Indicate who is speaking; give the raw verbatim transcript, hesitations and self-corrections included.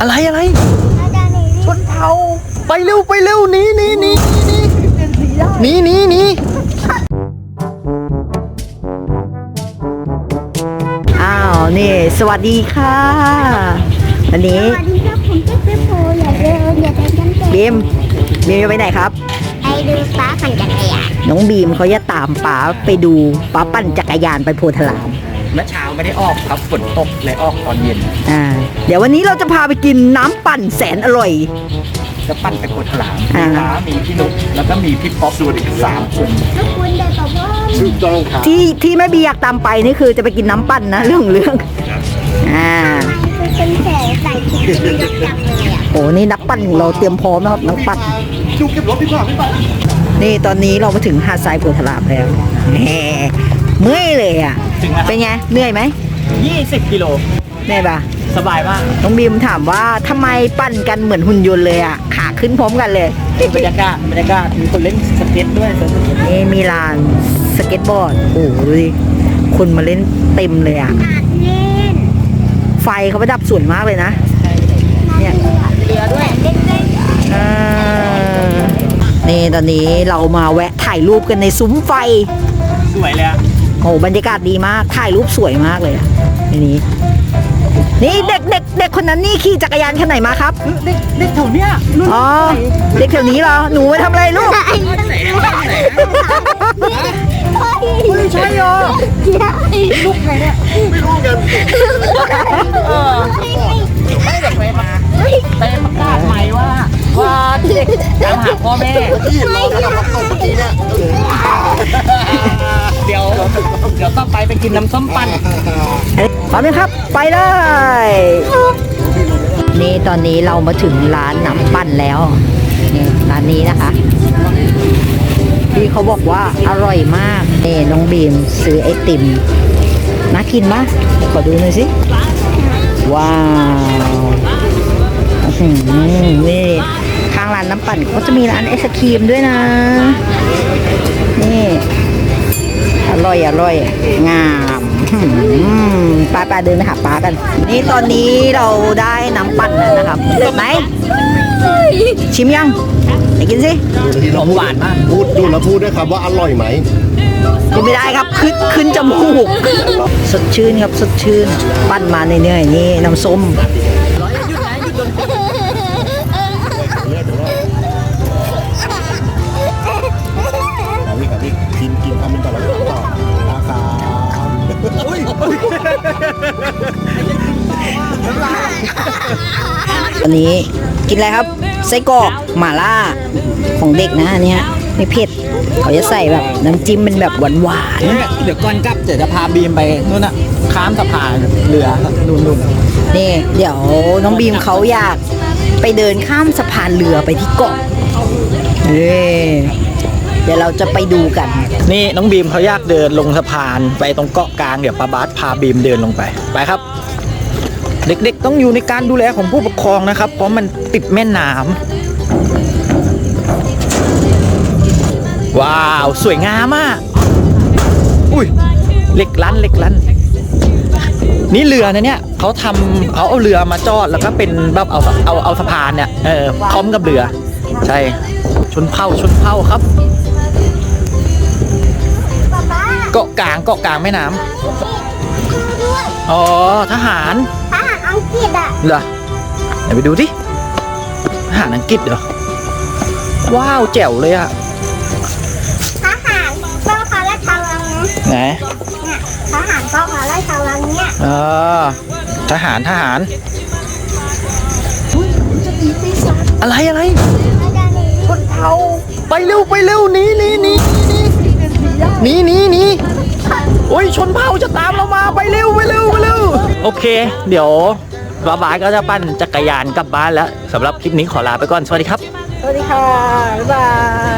Speaker 1: อะไรอะไรชนเผ่าไปเร็วไปเร็วหนีหนีหนีหนีหนีหนีอ้าวนี่สวัสดีค่ะวันนี้
Speaker 2: สวัสดีครับผมเจ๊เจ๊โพอย่าเดินอย่าเดินกันเตะ
Speaker 1: บีมบีมจะไปไหนครับ
Speaker 2: ไปดูฟ้าปั่นจักรยาน
Speaker 1: น้องบีมเขาจะตามป๋าไปดูป๋าปั่นจักรยานไปโพธารามเมื่อเช้าไม่ได้ออกครับฝนตกเลยออกตอนเย็นอ่าเดี๋ยววันนี้เราจะพาไปกินน้ำปั่นแสนอร่อยจะปั่นไปโพธารามมีม้ามีพี่นุ๊กแล้วก็มีพี่ป๊อปส่วนอีกสามคน
Speaker 2: แล้วคุณเดินต่อว่า
Speaker 1: ถูกต้องครับที่ที่แม่บีอยากตามไปนี่คือจะไปกินน้ำปั่นนะเรื่องเรื่องอ่า
Speaker 2: คือเป็นแสงใส่ชุดยักษ์เลยอ่ะ
Speaker 1: โอ้นี่นักปั่นของเราเตรียมพร้อมนะครับนักปั่น
Speaker 3: ดูเก็บรถดีกว่าไม่ไป
Speaker 1: นี่ตอนนี้เรามาถึงหาดทรายโพธารามแล้วแหมเมื่อยเลยอ่ะเป็นไงเหนื่อยไหม
Speaker 3: ยี่สิบกิโล
Speaker 1: เหนื่อยปะ
Speaker 3: สบายมาก
Speaker 1: น้องบีมถามว่าทำไมปั่นกันเหมือนหุ่นยนต์เลยอ่ะขาขึ้นพร้อมกันเลย
Speaker 3: บรรยากาศบรรยากาศมีคนเล่นสเก็ตด้วย
Speaker 1: นี่มีลานสเก็ตบอร์ดโอ้โหดูดิคนมาเล่นเต็มเลยอ่ะ
Speaker 2: อาดเล่น
Speaker 1: ไฟเขาประดับสวยมากเลยนะเนี่ย
Speaker 2: เรือด้วยเล่นเล่น
Speaker 1: อ่านี่ตอนนี้เรามาแวะถ่ายรูปกันในซุ้มไฟ
Speaker 3: สวยเลยอะ
Speaker 1: โอ้บรรยากาศดีมากถ่ายรูปสวยมากเลยอ่ะทีนี้นี่เด็กเด็กเด็กคนนั้นนี่ขี่จักรยานคันไหนมาครับ
Speaker 3: เด็กเด็กแถวเนี้ยรุ่น
Speaker 1: อ๋อเด็กแถวนี้เหรอหนูไปทำอะไรลูก
Speaker 3: ไม่ใช่เหรอลูกไงเนี่ยไม่รู้กันเออไม่เด็กไปมาไปประกาศใหม่ว่าว่าเด็กตามหาพ่อแม่เดี๋ยวเดี๋ยวต้องไปไปกินน้ำส้มปั่น
Speaker 1: พร้อมไหมครับไปเลยนี่ตอนนี้เรามาถึงร้านน้ำปั่นแล้วนี่ร้านนี้นะคะพี่เขาบอกว่าอร่อยมากนี่น้องบีมซื้อไอติมน่ากินมากขอดูหน่อยสิว้าวอื้อหือนี่ข้างร้านน้ำปั่นก็จะมีร้านไอศครีมด้วยนะนี่อร่อยอร่อยงามป้าป้าเดินไปหาป้ากันนี่ตอนนี้เราได้น้ำปั่นแล้วนะครับเด็ดไหมชิมยังไหนกินสิ
Speaker 3: หอมหวานมาก
Speaker 4: พูดดูแล้วพูดด้วยครับว่าอร่อยไหม
Speaker 1: กินไม่ได้ครับขึ้นขึ้นจมูกสดชื่นครับสดชื่นปั้นมาเนื่อยๆนี่น้ำส้ม
Speaker 4: เอาพี่กับพี่กินกินทำเป็นต่อแล้วต่อราคา
Speaker 1: อันนี้กินอะไรครับไส้กรอกหม่าล่าของเด็กนะอันเนี้ยไม่เผ็ดเขาจะใส่แบบน้ำจิ้มเป็นแบบหวาน
Speaker 3: เดี๋ยวก่อนกลับเดี๋ยวจะพาบีมไปนู่นน่ะข้ามสะพานเรือนู่นนู่น
Speaker 1: ๆนี่เดี๋ยวน้องบีมเขาอยากไปเดินข้ามสะพานเรือไปที่เกาะเย้เดี๋ยวเราจะไปดูกัน
Speaker 3: นี่น้องบีมเขาอยากเดินลงสะพานไปตรงเกาะกลางเดี๋ยวป้าบาสพาบีมเดินลงไปไปครับ เด็กๆต้องอยู่ในการดูแลของผู้ปกครองนะครับเพราะมันติดแม่น้ำว้าวสวยงามมากอุ้ยเหล็กลั่นเหล็กลั่นนี่เรือนะเนี่ยเขาทำเขาเอาเรือมาจอดแล้วก็เป็นแบบเอาเอาเอาสะพานเนี่ยเออพร้อมกับเรือใช่ชนเผ่าชนเผ่าครับ
Speaker 2: ป๊าป๊า
Speaker 3: เกาะกลางเกาะกลางแม่น้ำ
Speaker 2: ด้วย
Speaker 3: อ๋อทหาร
Speaker 2: ทหารอังกฤษอ่ะ
Speaker 3: เหรอไหนไปดูดิทหารอังกฤษเหรอว้าวแจ๋วเลยอะ
Speaker 2: ทหารก็พาราชวังนะ
Speaker 3: ไหน
Speaker 2: เนี่ยทหารก็พาราชวังเนี่ย
Speaker 3: อ๋อทหารทหารอะไรอะไรชนเผ่าไปเร็วไปเร็วหนีหนีหนีหนีหนีหนีโอ้ยชนเผ่าจะตามเรามาไปเร็วไปเร็วไปเร็วโอเค เดี๋ยวบ๊ายบายก็จะปั่นจักรยานกลับบ้านแล้วสำหรับคลิปนี้ขอลาไปก่อนสวัสดีครับ
Speaker 1: สวัสดีค่ะบ๊ายบาย